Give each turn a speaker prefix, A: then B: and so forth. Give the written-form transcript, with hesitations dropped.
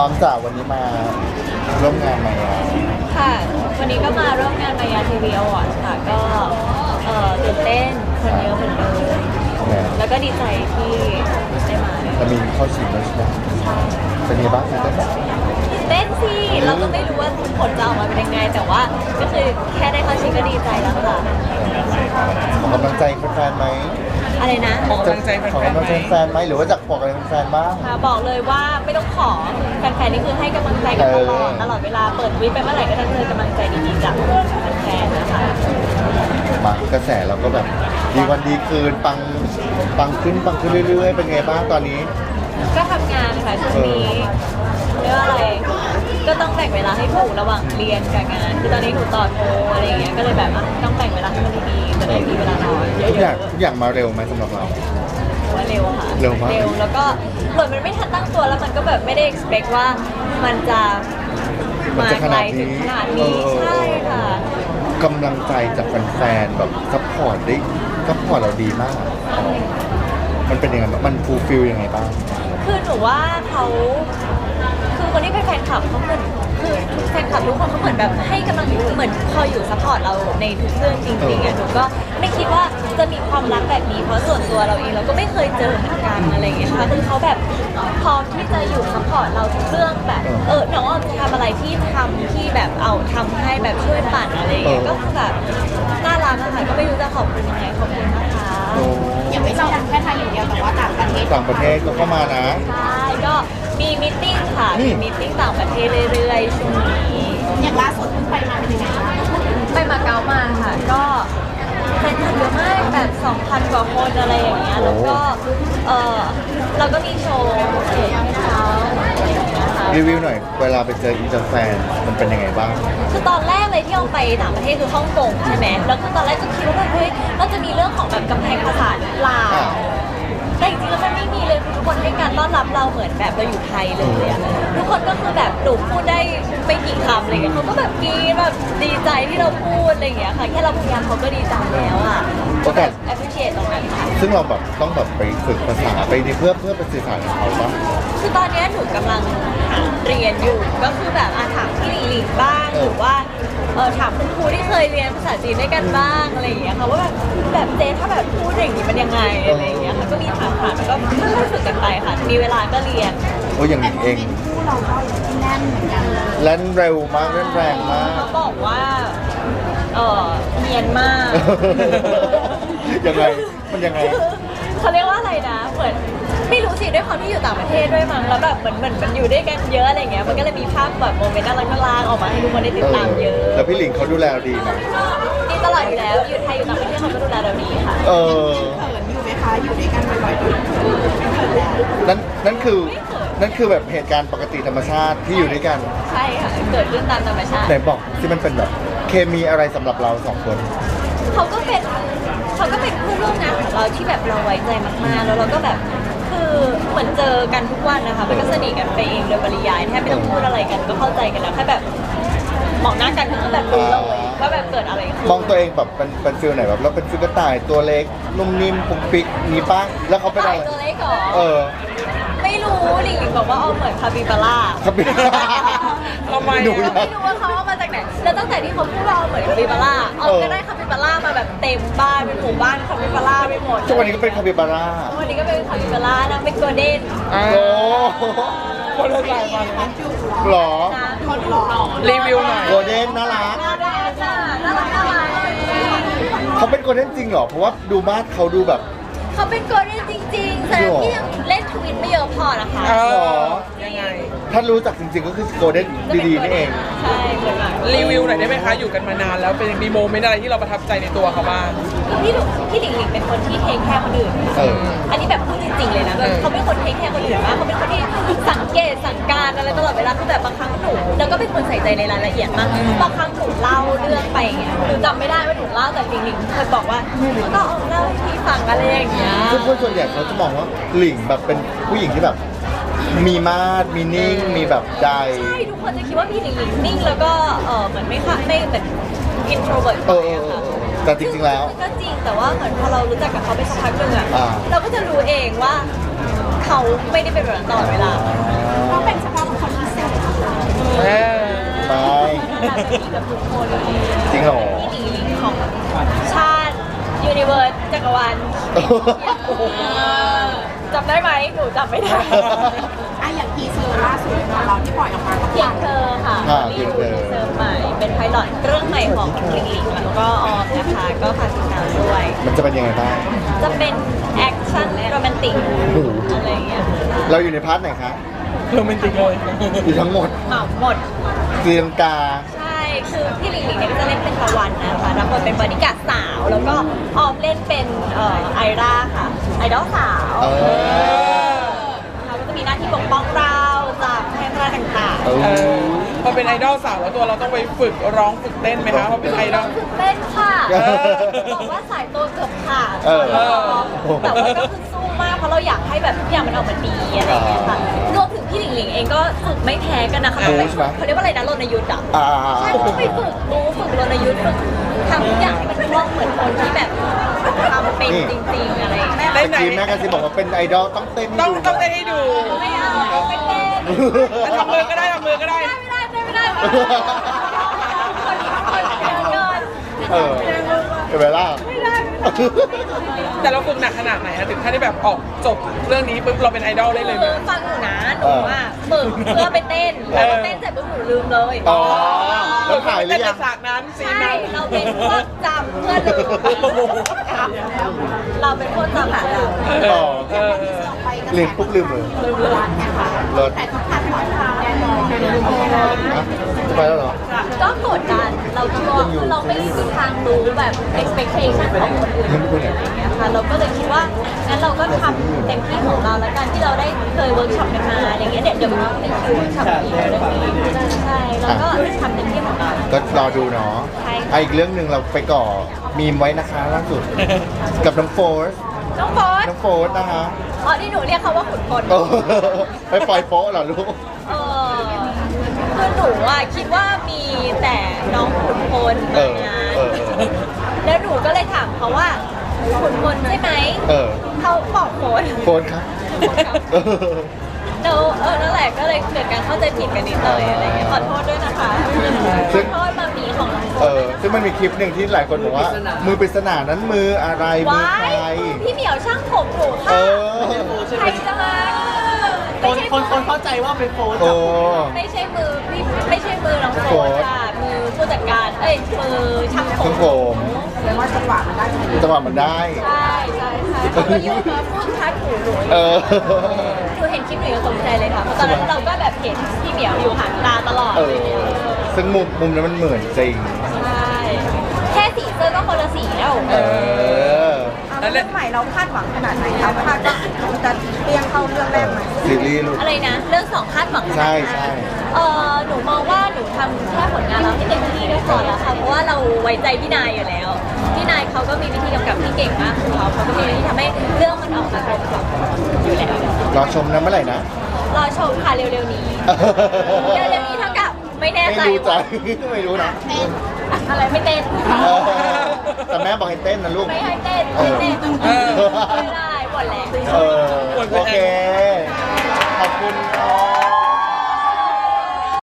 A: อมจากวันนี้มาร่วมงานมายา
B: ค่ะวันนี้ก็มาร่วมงานมายาทีวีอวอร์ดค่ะก็ตื่นเต้นคนเยอะเหมือนเดิมแล้วก็ดีใจที่ได้มา
A: จะมีเข้าชิงด้วยใช่ไหมเป็นยังไงบ้างตื่นเต้นไหม
B: ตื่นเต้นสิเราก็ไม่รู้ว่าผลจะออกมาเป็นยังไงแต่ว่าก็คือแค่ได้เข้าชิงก็ดีใจแล้วค่ะ
A: ขอกำลังใจแฟนๆไหม
B: อะไรนะ
C: ขอกำลังใจแฟ
A: นๆไหมหรือว่าจากบอกอะไรแฟนๆบ้าง
B: บอกเลยว่าไม่ต้องขอแฟนๆนี่คือให้กำลังใจกันตลอดเวลาเปิดวิดไปเมื่อไหร่ก็จะเจอกำลังใจดีๆจากแฟนๆนะคะ
A: มากระแสเราก็แบบดีวันดีคืนปังขึ้นเรื่อยๆเป็นไงบ้างตอนนี้
B: ก็ทำงานค่ะช่วงนี้เรียกว่าอะไรก็ต้องแบ่งเวลาให้ถูกระหว่างเรียนกับงานคือตอนนี้หนูต่อโทอะไรอย่างเงี้ยก็เลยแบบต้องแบ่งเวลาให้มันดีๆจะได้มีเวลานอน
A: ทุกอย่างมาเร็วไหมสำหรับเรา
B: ว่าเร็วค่ะ
A: เร็วมาก
B: แล้วก็เหมือนมันไม่ทันตั้งตัวแล้วมันก็แบบไม่ได้ expect ว่ามันจะมาไกลถึงขนาดนี้ใช่ค่ะ
A: กำลังใจจากแฟนๆแบบซัพพอร์ตเราดีมากมันเป็นยังไงมันฟูลฟิลยังไงบ้าง
B: คือหนูว่าเขาคือคนที่เป็นแฟนคลับเขาเหมือนคือแฟนคลับทุกคนเขาเหมือนแบบให้กำลังเหมือนคอยอยู่ซัพพอร์ตเราในทุกเรื่องจริงๆอ่ะหนูก็ไม่คิดว่าจะมีความรักแบบนี้เพราะส่วนตัวเราเองเราก็ไม่เคยเจอเหมือนกันอะไรอย่างเงี้ยค่ะคือเขาแบบพร้อมที่จะอยู่ซัพพอร์ตเราทุกเรื่องแบบน้องจะทำอะไรที่ทำที่แบบทำให้แบบช่วยปั่นอะไรอย่างเงี้ยก็คือแบบน่ารักอะค่ะก็ไม่รู้จะขอบคุณยังไงขอบคุณนะคะ
D: อย่างไม่ใช่แค่ไทยอย่างเดียวแต่ว่าต่างประเทศ
A: ก็เข้ามานะ
B: ใช่ก็มีมิทติ้งค่ะมีมิทติ้งต่างประเทศเรื่อยๆช่วงนี้
D: อย่างล่าสุดเพิ่งไปมาเป็นยังไงบ้าง
B: ไปมาเก๊ามาค่ะก็แฟนคลับเยอะมากแบบ 2,000 กว่าคนอะไรอย่างเงี้ยแล้วก็เราก็มีโชว์ให้เขา
A: รีวิวหน่อยเวลาไปเจออินเตอร์แฟนมันเป็นยังไงบ้าง
B: คือตอนแรกเลยที่เราไปต่างประเทศคือฮ่องกงใช่ไหมแล้วคือตอนแรกก็คิดว่าแบบเฮ้ยเราจะมีเรื่องของแบบกำแพงภาษาหรือเปล่าแต่จริงๆแล้วมันไม่มีเลยทุกคนให้การต้อนรับเราเหมือนแบบเราอยู่ไทยเลยอะทุกคนก็คือแบบหนูพูดได้ไม่กี่คำอะไรเงี้ยเขาก็แบบกรี๊ดแบบดีใจที่เราพูดอะไรเงี้ยค่ะแค่เราพยายามเขาก็ดีใจแล้วอะก็แบบ appreciate ตรงนั้นค่ะ
A: ซึ่งเราแบบต้องแบบไปฝึกภาษาไปเพื่อไปสื่อสารกับเขาปะ
B: คือตอนนี้หนูกำลังเรียนอยู่ก็คือแบบถามพี่หลิงบ้างหรือว่าถามคุณครูที่เคยเรียนภาษาจีนด้วยกันบ้างอะไรอย่างเงี้ยค่ะว่าแบบเจ๊ถ้าแบบพูดอย่างนี้มันยังไงอะไรอย่างเงี้ยค่ะก็มีถามแล้วก็ค่อยๆฝึกกันไปค่ะมีเวลาก็เรียน
A: โอ้อย่างนี้เอง
D: คู่เราก็แน่นเหมือนกัน
A: แล่นเร็วมากแล่นแรงมาก
B: เขาบอกว่าเนียนมาก
A: ยังไงมันยังไง
B: เขาเรียกว่าอะไรนะเหมือนไม่รู้สิด้วยความที่อยู่ต่างประเทศด้วยมั้งแล้วแบบเหมือนมันอยู่ด้วยกันเยอะอะไรเงี้ยมันก็เลยมีภาพแบบโมเมนต์น่ารักออกมาให้ทุกคนได้ติดตามเยอะ
A: แล้วพี่หลิงเขาดูแลเราดีไหม
B: ดีตลอดอยู่แล้วอยู่ไทยอยู่ต่างประเทศเขาก็ดูแลเราดีค่ะ
D: เขินอยู่ไหมคะอยู่ด้วยกันบ่อย
A: ๆนั่นคือแบบเหตุการณ์ปกติธรรมชาติที่อยู่ด้วยกัน
B: ใช่ค่ะเกิดขึ้นตามธรรมชาติ
A: ไหนบอกที่มันเป็นแบบเคมีอะไรสำหรับเราสองคน
B: เขาก็เป็นเพื่อนร่วมงานของเราที่แบบเราไว้ใจมากๆแล้วเราก็แบบคือเหมือนเจอกันทุกวันนะคะมันก็สนิทกันไปเองโดยปริยายแทบไม่ต้องพูดอะไรกันก็เข้าใจกันแล้วแค่แบบมองหน้ากันก็แบบรู้เลยว่าแบบเกิดอะไรขึ้น
A: มองตัวเองแบบเป็นฟิลไหนแบบเราเป็นฟิลกระต่ายตัวเล็กนุ่มนิ่มปุกปิกมีป้าแล้วเขาเป็นอะไร
B: ตัวเล็กเหรอไม่รู้หลิงบอกว่าเอาเหมือนคาปิบาร่า
C: ทำไม
B: ไม่รู้ว่าเขาเอามาจากไหนแล้วตั้งแต่ที่เขาพูดว่าเอาเหมือนคาปิบาร่าก็ได้คาปิบาร่ามาแบบเต็มบ้านเป็นหมู่บ้านคาปิบาร่าไปหมด
A: ทุกวันนี้ก็เป็นคาปิบาร่า
B: วันนี้ก็เป็นคาปิบาร่านะเป็นโกลเด้น
A: โอ้
C: คนละสายพันธุ์
A: หรอ
C: รีวิวหน่อย
A: โกลเด้นน่ารักเขาเป็นโกลเด้นจริงเหรอเพราะว่าดูบ้านเขาดูแบบ
B: เขาเป็นโกลเด้นจริงๆแต่ที่ยังเล่นทวิตไม่เยอะพอนะคะ
C: ยังไง
A: ถ้ารู้จักจริงๆก็คือโกลเด้นดีๆนี่เอง
B: ใช่เหมือน
C: รีวิวหน่อยได้ไหมคะอยู่กันมานานแล้วเป็นมีโมเมนต์อะไรที่เราประทับใจในตัวเขาบ้าง
B: พี่หลิงเป็นคนที่เทคแคร์คนอื่นอันนี้แบบพูดจริงๆเลยนะเขาเป็นคนเทคแคร์คนอื่นมากเขาเป็นคนที่สังเกตสั่งการอะไรตลอดเวลาคือแบบบางครั้งหนูแล้วก็เป็นคนใส่ใจในรายละเอียดมากบางครั้งหนูเล่าเรื่องไปอย่างเงี้ยหนูจำไม่ได้ว่าหนูเล่าแต่หลิงเคยบอกว่าก็เอาเล่าให้พี่ฟังอะไรอย่างเงี้ย
A: ทุกคนส่วนใหญ่เขาจะมองว่าหลิงแบบเป็นผู้หญิงที่แบบมีมาดมีนิ่งมีแบบใจ
B: ใช่ทุกคนจะคิดว่าพี่หลิงนิ่งแล้วก็เหมือนไม่แบบอินโทรเวิร์ต
A: แต่จริงๆแล้ว
B: ก็จริงแต่ว่าเหมือนพอเรารู้จักกับเขาไปสักพักหนึ่งอะเราก็จะรู้เองว่าเขาไม่ได้เป็นแบบนั้นตลอดเวลา
D: เขาเป็นเฉพาะคนพิเศษ
B: ดีกับทุกคน
A: จริงเหรอ
B: พี่หลิงของชาติยูนิเวิร์สจักรวาลจำได้ไหมหนูจำไม่ได้
D: อย่างทีเซอร์ล่าสุดของเราที่ปล่อยออกมาก็
B: เพียงเธอค่ะ
A: เพี
B: รี
A: ยง
B: วิว
A: เธอ
B: ทีเซอร์ใหม่ เป็นไพลอตเรื่องใหม่ของหลิงหลิงแล้วก็ออมนะคะ ก็ฝากติดตามด้วย
A: มันจะเป็นยังไงบ้าง
B: จะเป็นแอคชั่นโรแมนติกอะไรอย่างเงี้ย
A: เราอยู่ในพาร์ทไหนคะ
C: โรแมนติกเลย
A: อยู่ทั้งหมด
B: เหมาหมด
A: เตียงกา
B: ใช่ คือพี่หลิงหลิงเนี่ยก็จะเล่นเป็นตะวันนะคะรับบทเป็นบอดี้การ์ดสาว แล้วก็ออมเล่นเป็นไอราค่ะ ไอดอลสาว
A: เออ
B: เขาก็จะมีหน้าที่ปกป้องเราจากแพร่ร้ายต่าง
A: เอ
C: เอ
A: อ
C: อพอเป็นไอดอลสาวแล้วตัวเราต้องไปฝึกร้องฝึกเต้นไหมคะเพราะเป็นไอดอล
B: ๆฝึกเต้นค่ะ
A: เออ
B: บอกว่าสายตัวเกือบขาด
A: เออ
B: แต่ว่าก็คือสู้มากเพราะเราอยากให้แบบทุกอย่างมันออกมาดีอะไรอย่างเงี้ยค่ะรวมถึงพี่หลิงหลิงเองก็ฝึกไม่แพ้กันนะคะ
A: รู้ใช่ไหม
B: เขาเรียกว่าอะไรนะรณยุทธ์อ่ะ
A: อ่า
B: ใช่ต้องไปฝึกรู้ฝึกรณยุทธ์ฝึกทำทุกอย่างให้มันคล่องเหมือนคนที่แบบทำเป็นจริงๆอะไรอย่างเงี้ย
C: ได้
A: เมื่อกี้แม่กระซิบบอกว่าเป็นไอดอลต้องเต้นให้
C: ต้อง
A: ดู
C: ต้องเต้นให้ดู
B: ไม่เอาไม่เต้น
C: อ่ะทำมือก็ได้ทำมือก็ได้
B: ไม่ได้ไม่ได้คนเดียวเกิน
A: เออเป็นเวลา
C: แต่เราฝึกหนักขนาดไหนคะถึงขั้นที่แบบออกจบเรื่องนี้ปุ๊บเราเป็นไอดอลได้เลยไหม
B: คือฟังหนูนะหนูอ่ะฝึกเพื่อไปเต้นแล้วพอเต้นเสร็จปุ๊บหนูลืมเลย
A: อ๋อ แล้วถ่ายหรือยัง
C: เต้นในฉากนั้นซีน
B: ใช่
C: นั้น
B: เราเป็นพวกจำเพื่อลืมเราเป็นพวกจำหาเรา
A: อ๋อ
C: เออ
D: ไปก็
A: ลืมปุ๊บลืมเลย
D: วันนะคะ
A: เลิศ
D: แต่ทุกท่านหมดค่ะแน่นอน
A: ฮะจะไปแล้วเหรอ
B: ก็กดดันเรากลัวคือเราไม่มีทางรู้แบบ expectation ของคนอื่นอะไรอย่างเงี้ยค่ะเราก็เลยคิดว่างั้นเราก็ทำเต็มที่ของเราแล้วกันที่เราได้เคยเวิร์กช็อปกันมาอย่างเงี้ยเดี๋ยวมันมีคิวเวิร์กช็อปอีกเรื่องนี้ใช่แล้วก็ทำเต็มที่ของเรา
A: ก็รอดูเนาะ
B: ใช่
A: อีกเรื่องหนึ่งเราไปก่อมีมไว้นะคะล่าสุด กับน้องโฟร์ส
B: น้องโฟส
A: น้องโฟร์สนะคะ
B: อ๋อที่หนูเรียกเขาว่าขุนพล
A: เออไปปล่อยโป๊ะเหรอลูก
B: เออคือหนูอ่ะคิดว่ามีแต่น้องขุนพล
A: เอ
B: มา
A: อ
B: งาน
A: เออ
B: แล้วหนูก็เลยถามเขาว่าขุนพลใช่ไหม
A: เออ
B: เขาบอกโฟส
A: โฟร์สครับเออ
B: แล้วนั่นแหละก็เลยเกิดการเข้าใจผิดกันนิดหน่อยอะไรเงี้ยขอโทษด้วยนะคะขอโทษมามีของน้องโฟ
A: เอ
B: ส
A: อซึ่งมันมีคลิปหนึ่งที่หลายคนบอกว่า มือปริศนานั้นมืออะไรมือ
B: ว้า
A: ใคร
B: ยพี่เหมียวช่างผมหนู
A: เอ
B: ค่ะ
A: อ
B: ใครจะมาไม่ใช่
E: คนเข้าใจว่าเป็นโฟน
A: โอ้
B: ไม่ใช่มือพี่ไม่ใช่มือน้องโฟสค่ะมือผู้จัดการเอ้ยมือช่างผ
A: ช่าง
B: ม
A: ผม
D: แปลว่าจังหวะมันได้พอดี
A: จังหวะมันได้
B: ใช่ใช่ใช่เขาก็ยุ่งมาพูดทัดหูหนู
A: เออ
B: หนูเห็นคลิปหนูยังตกใจเลยค่ะเพราะตอนนั้นเราก็แบบเห็นพี่เหมียวอยู่ห่างตาตลอด
A: เอ
B: เล
A: อ
B: ยเนี่ย
A: ซึ่งมุมนั้นมันเหมือนจริง
B: ใช่แค่สีเสื้อก็คนละสีแล้ว
A: เออ
C: แล้วเล่น
D: ใหม่เราคาดหวังขนาดไหนคะคาดว่าจะเรียงเข้าเรื่องแรกไหม
A: ซีรีส์ลูก
B: อะไรนะ เรื่องสองคาดหวัง
A: ใช่ใช่
B: หนูมองว่าหนูทำแค่ผลงานเราให้เต็มที่ก็พอแล้วค่ะเพราะว่าเราไว้ใจพี่นายอยู่แล้วพี่นายเขาก็มีวิธีกำกับที่เก่งมากของเขาก็มีวิธีทำให้เรื่องมันออกมากลมกล่อมอยู่แล้ว
A: รอชมนะเมื่อไหร่นะ
B: รอชมค่ะเร็วๆนี้เร็วๆนี้เท่ากับไม่แน่
A: ไม่
B: ใจ
A: รู้ใจ
B: ว่า
A: ไม่รู้นะ
B: อะไรไม่เต้น
A: เออแต่แม่บอกให้เต้นนะลูก
B: ไม่ให้เต้นไม่เต้น
C: เออ
B: ไม่ได้หมดแล้ว
A: เออ โอเค ขอบคุณ